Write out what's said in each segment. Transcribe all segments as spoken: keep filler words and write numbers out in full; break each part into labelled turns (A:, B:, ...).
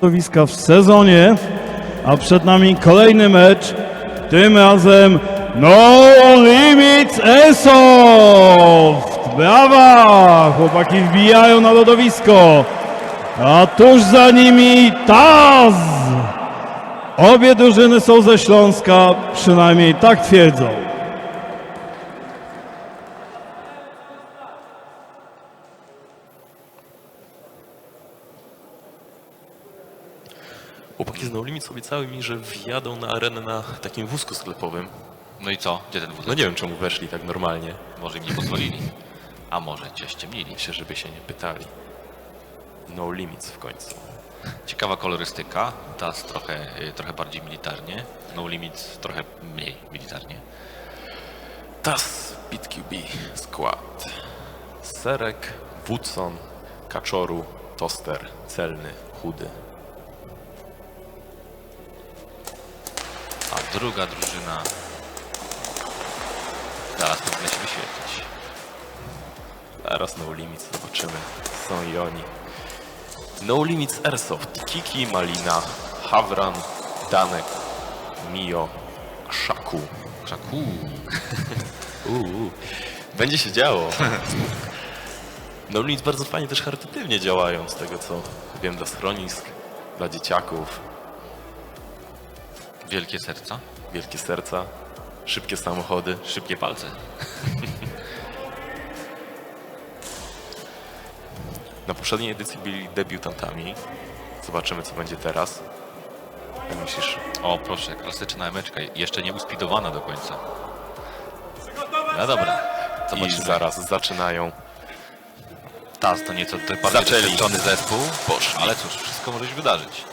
A: w sezonie, a przed nami kolejny mecz, tym razem No Limits Airsoft! Brawa! Chłopaki wbijają na lodowisko, a tuż za nimi Taz! Obie drużyny są ze Śląska, przynajmniej tak twierdzą.
B: Chłopaki z No Limits obiecały mi, że wjadą na arenę na takim wózku sklepowym.
C: No i co? Gdzie ten wóz?
B: No nie wiem, czemu weszli tak normalnie.
C: Może im nie pozwolili. A może cię ściemnili.
B: Myślę, żeby się nie pytali. No Limits w końcu.
C: Ciekawa kolorystyka. Tas trochę, y, trochę bardziej militarnie. No Limits trochę mniej militarnie.
B: Taz, BitQB, Skład. Serek, Woodson, Kaczoru, Toster, Celny, Chudy.
C: A druga drużyna zaraz powinna się wyświetlić.
B: Zaraz No Limits, zobaczymy. Są i oni. No Limits Airsoft, Kiki, Malina, Hawran, Danek, Mio, Krzaku.
C: Krzaku.
B: Uuu, będzie się działo. No Limits bardzo fajnie też charytatywnie działają, z tego co wiem, dla schronisk, dla dzieciaków.
C: Wielkie serca.
B: Wielkie serca, szybkie samochody.
C: Szybkie palce.
B: Na poprzedniej edycji byli debiutantami. Zobaczymy, co będzie teraz. Jak myślisz?
C: O proszę, klasyczna emeczka. Jeszcze nie uspidowana do końca. No dobra.
B: I
C: Zobaczymy.
B: zaraz zaczynają.
C: Tas to nieco to bardziej
B: Zaczęli.
C: doświadczony zespół.
B: Poszli.
C: Ale cóż, wszystko może się wydarzyć.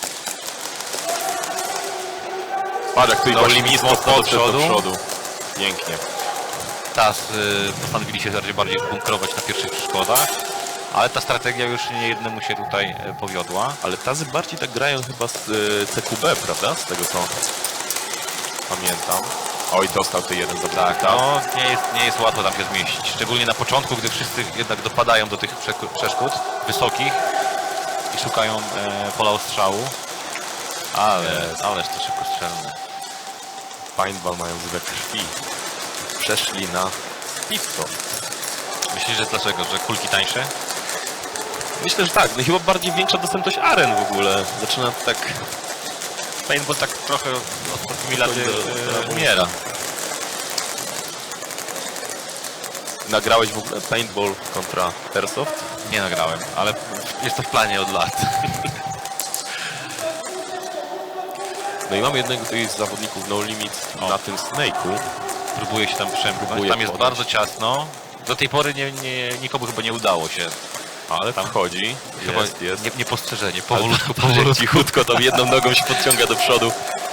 B: Patrz, jak tu i
C: No
B: właśnie
C: Limits
B: mocno
C: do
B: do
C: przodu.
B: przodu. Pięknie.
C: Tas y, postanowili się bardziej, bardziej bunkrować na pierwszych przeszkodach, ale ta strategia już nie jednemu się tutaj y, powiodła.
B: Ale tazy bardziej tak grają chyba z y, C Q B, prawda? Z tego co pamiętam. Oj, dostał ty jeden
C: Tak,
B: zabawek.
C: no nie jest, nie jest łatwo tam się zmieścić, szczególnie na początku, gdy wszyscy jednak dopadają do tych przeku- przeszkód wysokich i szukają e, pola ostrzału. Ale, ależ to szybko strzelne.
B: Paintball mają we krwi. Przeszli na piwko.
C: Myślisz, że dlaczego? Że kulki tańsze?
B: Myślę, że tak. No chyba bardziej większa dostępność aren w ogóle. Zaczyna tak...
C: Paintball tak trochę ostatnimi laty
B: do-
C: e,
B: do-
C: umiera.
B: Nagrałeś w ogóle paintball kontra Airsoft?
C: Nie nagrałem, ale jest to w planie od lat.
B: No i mamy jednego tutaj z zawodników No Limits
C: O.
B: na tym Snake'u.
C: Próbuję się tam przemknąć.
B: Próbuję
C: Tam jest
B: podejść.
C: bardzo ciasno. Do tej pory nie, nie, nikomu chyba nie udało się.
B: Ale tam wchodzi.
C: Chyba
B: Jest, jest.
C: Nie, niepostrzeżenie.
B: Ale
C: Powolutku,
B: tam
C: powolutku.
B: cichutko, tam jedną nogą się podciąga do przodu.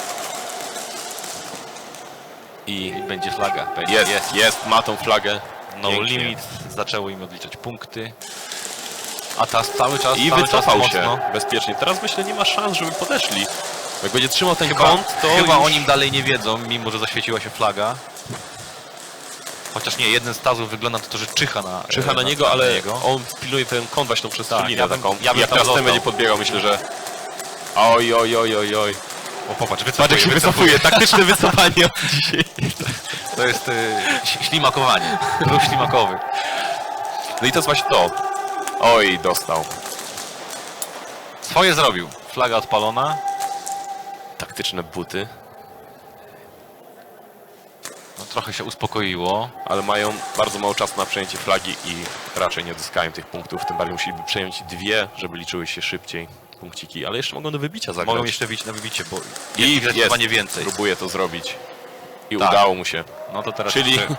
C: I będzie flaga. Będzie.
B: Jest, jest, jest, ma tą flagę.
C: No
B: Pięknie.
C: limit. Zaczęło im odliczać punkty. A teraz cały czas,
B: I
C: cały
B: wycofał
C: czas
B: się
C: mocno.
B: bezpiecznie. Teraz myślę, nie ma szans, żeby podeszli. Jak będzie trzymał ten
C: Chyba,
B: kąt, to
C: chyba
B: już...
C: o nim dalej nie wiedzą, mimo że zaświeciła się flaga. Chociaż nie, jeden z tazów wygląda na to, że czyha na
B: Czyha na niego, ale on pilnuje ten kąt właśnie tą przestrzelinę
C: ja bym-
B: taką.
C: ja bym
B: Jak
C: tam
B: teraz ten
C: został.
B: będzie podbiegał, myślę, że... Oj, oj, oj, oj, oj.
C: O, popatrz,
B: Patrz, jak
C: wycofuje,
B: się
C: wycofuje.
B: wycofuje. Taktyczne wycofanie dzisiaj.
C: To jest y, ś- ślimakowanie. Ruch ślimakowy.
B: No i to jest właśnie to. Oj, dostał.
C: Swoje zrobił. Flaga odpalona.
B: Taktyczne buty,
C: No, trochę się uspokoiło.
B: ale mają bardzo mało czasu na przejęcie flagi i raczej nie odzyskają tych punktów. Tym bardziej musieliby przejąć dwie, żeby liczyły się szybciej punkciki. Ale jeszcze mogą do wybicia zagrać.
C: Mogą jeszcze bić na wybicie, bo
B: I
C: jest ich
B: jest.
C: zdecydowanie więcej.
B: Próbuje to zrobić. I
C: Tak.
B: udało mu się.
C: No to teraz
B: Czyli
C: jeszcze...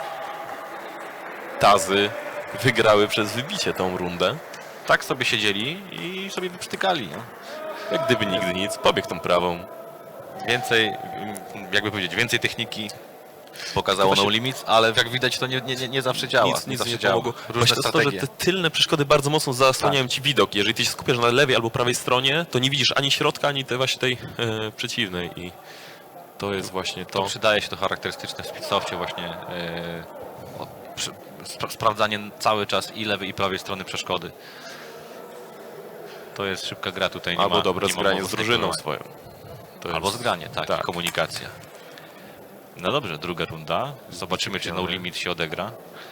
B: tazy wygrały przez wybicie tą rundę.
C: tak sobie siedzieli i sobie wyprztykali. No.
B: Jak gdyby nigdy nic. Pobiegł tą prawą.
C: Więcej, mm, jakby powiedzieć, więcej techniki pokazało
B: To właśnie-
C: No Limits, ale jak widać to nie, nie, nie, nie zawsze działa.
B: Nic, nic
C: zawsze
B: nie
C: działa.
B: pomogło.
C: Różne
B: Właśnie to jest to, że
C: strategie.
B: te tylne przeszkody bardzo mocno zasłaniają ci widok. Jeżeli ty się skupiasz na lewej albo prawej stronie, to nie widzisz ani środka, ani tej właśnie tej e, przeciwnej. I to jest właśnie
C: To
B: to.
C: przydaje się to charakterystyczne w Speedsoftie właśnie yy, o, przy, spra sprawdzanie cały czas i lewej i prawej strony przeszkody. to jest szybka gra tutaj. Nie
B: Albo
C: ma,
B: dobre
C: nie ma
B: zgranie z
C: mowy
B: drużyną
C: wnioskowania.
B: swoją. To
C: Albo
B: jest-
C: zgranie, tak,
B: tak.
C: i komunikacja. No dobrze, druga runda. Zobaczymy, czy No Limit się odegra.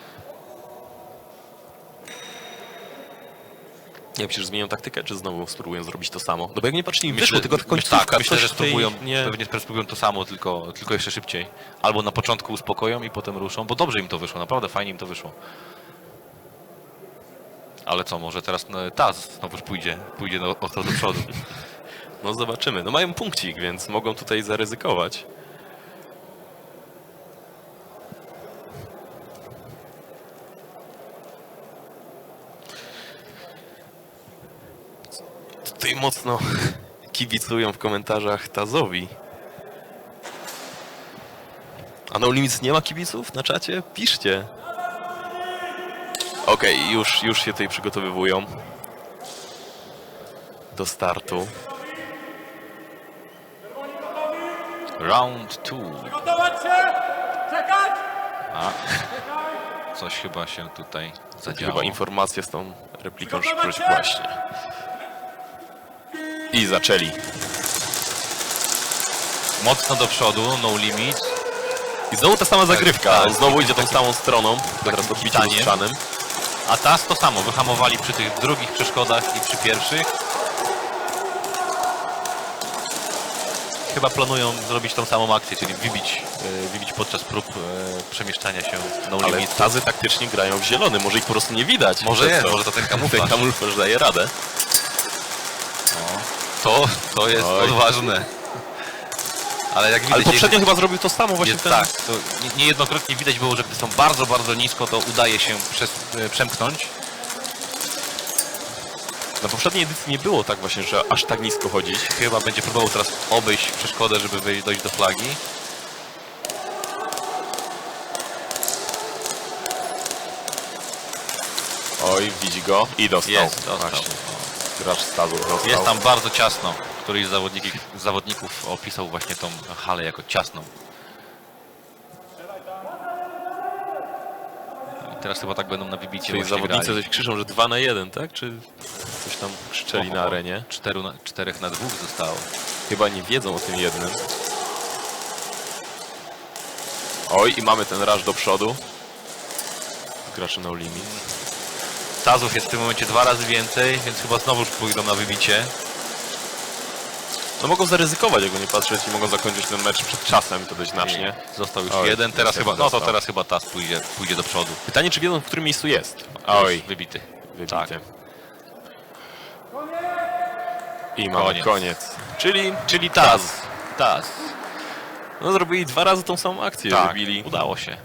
B: Nie, przecież zmienią taktykę, czy znowu spróbują zrobić to samo? No bo jak nie patrz, im
C: Myślę,
B: wyszło, tylko
C: myślę,
B: końcówka.
C: tak, myślę,
B: coś
C: że
B: w tej-
C: spróbują,
B: nie...
C: pewnie spróbują to samo, tylko, tylko jeszcze szybciej. Albo na początku uspokoją i potem ruszą, bo dobrze im to wyszło, naprawdę fajnie im to wyszło. Ale co, może teraz no, Taz znowuż pójdzie, pójdzie no, ostro do przodu.
B: No zobaczymy. No mają punkcik, więc mogą tutaj zaryzykować. Tutaj mocno kibicują w komentarzach Tazowi. A No Limits nie ma kibiców na czacie? Piszcie. Okej, już, już się tutaj przygotowywują do startu.
C: Round two.
D: Gotować się! Czekać!
C: A, coś chyba się tutaj zadziało.
B: Chyba informacja z tą repliką szybkość właśnie. I zaczęli.
C: Mocno do przodu, No Limit.
B: I znowu ta sama zagrywka.
C: tak.
B: On znowu idzie tą samą stroną. Teraz odbicie
C: kitaniem.
B: lustrzanym.
C: A Taz to samo, wyhamowali przy tych drugich przeszkodach i przy pierwszych. Chyba planują zrobić tą samą akcję, czyli wybić, e, wybić podczas prób e, przemieszczania się No
B: Ale
C: Limit.
B: tazy taktycznie grają w zielony. Może ich po prostu nie widać.
C: Może
B: Przez
C: jest,
B: to.
C: może to ten kamuflaż.
B: Ten kamuflaż daje radę.
C: To, to jest
B: Oj.
C: odważne. Ale jak widać,
B: Ale poprzednio
C: jest,
B: chyba zrobił to samo właśnie
C: jest
B: ten...
C: tak, to nie- niejednokrotnie widać było, że gdy są bardzo, bardzo nisko, to udaje się przez, e, przemknąć.
B: Na poprzedniej edycji nie było tak właśnie, że aż tak nisko chodzić.
C: Chyba będzie próbował teraz obejść przeszkodę, żeby wyjść- dojść do flagi.
B: Oj, widzi go i dostał.
C: Jest, dostał.
B: Właśnie. Gracz z tazu dostał.
C: Jest tam bardzo ciasno. Któryś z zawodników, z zawodników opisał właśnie tą halę jako ciasną. I teraz chyba tak będą na wybicie
B: Czyli
C: właśnie
B: zawodnicy
C: grali.
B: coś krzyczą, że dwa na jeden, tak? Czy coś tam krzyczeli na
C: Oho,
B: arenie?
C: Czteru na, czterech na dwóch zostało.
B: Chyba nie wiedzą o tym jednym. Oj, i mamy ten rush do przodu. Gracze No Limit.
C: Tazów jest w tym momencie dwa razy więcej, więc chyba znowu pójdą na wybicie.
B: No mogą zaryzykować, jakby nie patrzeć, i mogą zakończyć ten mecz przed czasem, to dość znacznie.
C: Został już
B: Oj,
C: jeden, teraz
B: niestety
C: chyba, no to
B: dostał.
C: teraz chyba Taz pójdzie, pójdzie do przodu.
B: Pytanie, czy wiedzą, w którym miejscu jest?
C: Oj,
B: Oj,
C: wybity.
B: wybity.
C: Tak.
B: I mamy
C: Koniec.
B: koniec. Czyli,
C: Czyli Taz. Taz.
B: no zrobili dwa razy tą samą akcję,
C: Tak,
B: wybili.
C: udało się.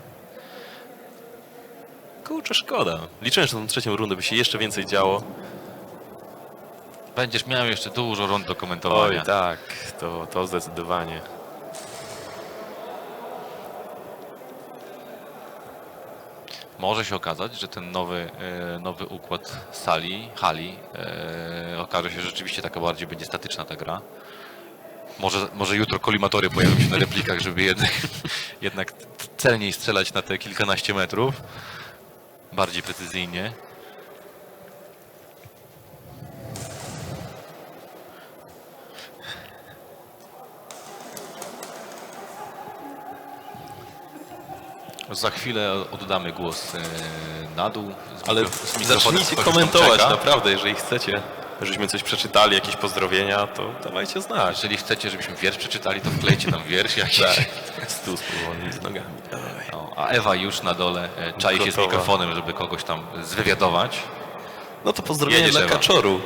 B: Kurczę, szkoda. Liczyłem, że tą trzecią rundę by się jeszcze więcej działo.
C: Będziesz miał jeszcze dużo rund do
B: Oj,
C: komentowania.
B: tak, to, to zdecydowanie.
C: Może się okazać, że ten nowy, e, nowy układ sali, hali, e, okaże się, że rzeczywiście taka bardziej będzie statyczna ta gra. Może, może jutro kolimatory pojawią się na replikach, żeby jednak, jednak celniej strzelać na te kilkanaście metrów. Bardziej precyzyjnie. Za chwilę oddamy głos e, na dół. Z
B: Ale
C: mikro- z mikrofonem
B: zacznijcie
C: ktoś tam
B: komentować,
C: czeka.
B: naprawdę, jeżeli chcecie, żebyśmy coś przeczytali, jakieś pozdrowienia, to dawajcie znać.
C: Jeżeli chcecie, żebyśmy wiersz przeczytali, to wklejcie nam wiersz jakiś.
B: Tak, stół z powolnymi z nogami. Dawaj.
C: No, a Ewa już na dole e, czai się z
B: Gotowa.
C: mikrofonem, żeby kogoś tam zwywiadować.
B: No to pozdrowienie
C: Jedziesz,
B: dla
C: Ewa.
B: Kaczoru.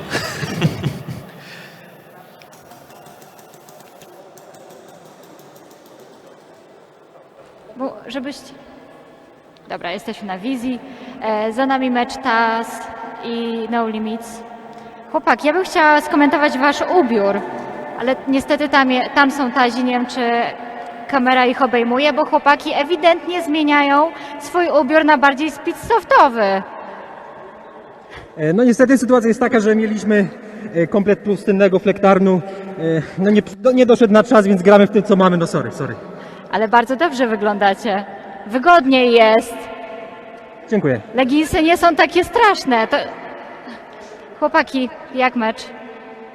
E: Bo żebyście... Dobra, jesteśmy na wizji. E, za nami mecz Taz i No Limits. Chłopak, ja bym chciała skomentować wasz ubiór, ale niestety tam, je, tam są Tazi, nie wiem czy kamera ich obejmuje, bo chłopaki ewidentnie zmieniają swój ubiór na bardziej speedsoftowy.
F: E, No niestety sytuacja jest taka, że mieliśmy e, komplet pustynnego flektarnu. E, No nie, no nie doszedł na czas, więc gramy w tym co mamy. No sorry, sorry.
E: Ale bardzo dobrze wyglądacie. Wygodniej jest.
F: Dziękuję.
E: Leginsy nie są takie straszne. To... Chłopaki, jak mecz?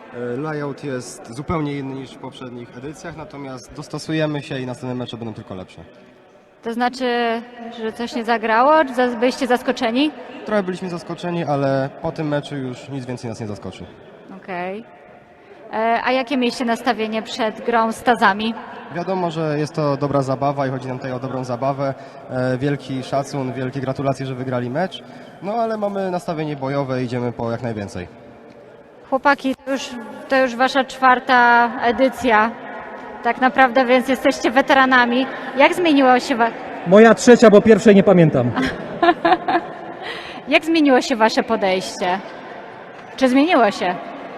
G: E, Layout jest zupełnie inny niż w poprzednich edycjach, natomiast dostosujemy się i następne mecze będą tylko lepsze.
E: To znaczy, że coś nie zagrało? Czy za- byliście zaskoczeni?
G: Trochę byliśmy zaskoczeni, ale po tym meczu już nic więcej nas nie zaskoczy.
E: Okej. E, A jakie mieliście nastawienie przed grą z Tazami?
G: Wiadomo, że jest to dobra zabawa i chodzi nam tutaj o dobrą zabawę. E, Wielki szacun, wielkie gratulacje, że wygrali mecz. No ale mamy nastawienie bojowe i idziemy po jak najwięcej.
E: Chłopaki, to już, to już wasza czwarta edycja. Tak naprawdę, więc jesteście weteranami. Jak zmieniło się, wa-
F: Moja trzecia, bo pierwszej nie pamiętam.
E: jak zmieniło się wasze podejście? Czy zmieniło się?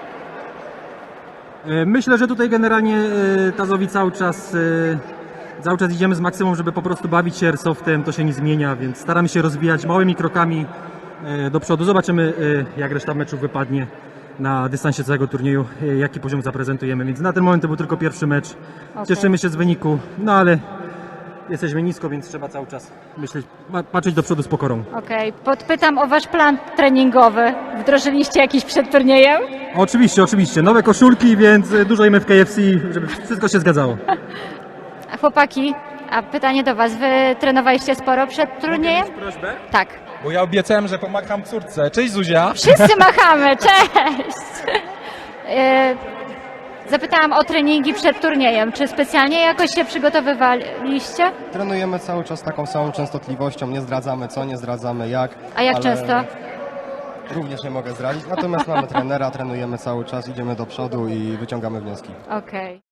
F: E, Myślę, że tutaj generalnie e, Tazowi cały czas, e, cały czas idziemy z maksimum, żeby po prostu bawić się airsoftem, to się nie zmienia, więc staramy się rozwijać małymi krokami e, do przodu. Zobaczymy, e, jak reszta meczów wypadnie na dystansie całego turnieju, e, jaki poziom zaprezentujemy, więc na ten moment to był tylko pierwszy mecz.
E: Okej.
F: Cieszymy się z wyniku, no ale jesteśmy nisko, więc trzeba cały czas myśleć, pa- patrzeć do przodu z pokorą.
E: Okej, podpytam o wasz plan treningowy. Wdrożyliście jakiś przed turniejem?
F: Oczywiście, oczywiście, nowe koszulki, więc e, dużo jemy w K F C, żeby wszystko się zgadzało.
E: A chłopaki, a pytanie do was. Wy trenowaliście sporo przed turniejem?
H: Prośbę?
E: Tak.
H: Bo ja obiecałem, że pomagam córce. Cześć Zuzia!
E: Wszyscy machamy, cześć! E, Zapytałam o treningi przed turniejem. Czy specjalnie jakoś się przygotowywaliście?
G: Trenujemy cały czas taką samą częstotliwością, nie zdradzamy co, nie zdradzamy jak.
E: A jak
G: ale
E: często?
G: Również nie mogę zdradzić, natomiast mamy trenera, trenujemy cały czas, idziemy do przodu i wyciągamy wnioski.
E: Okej.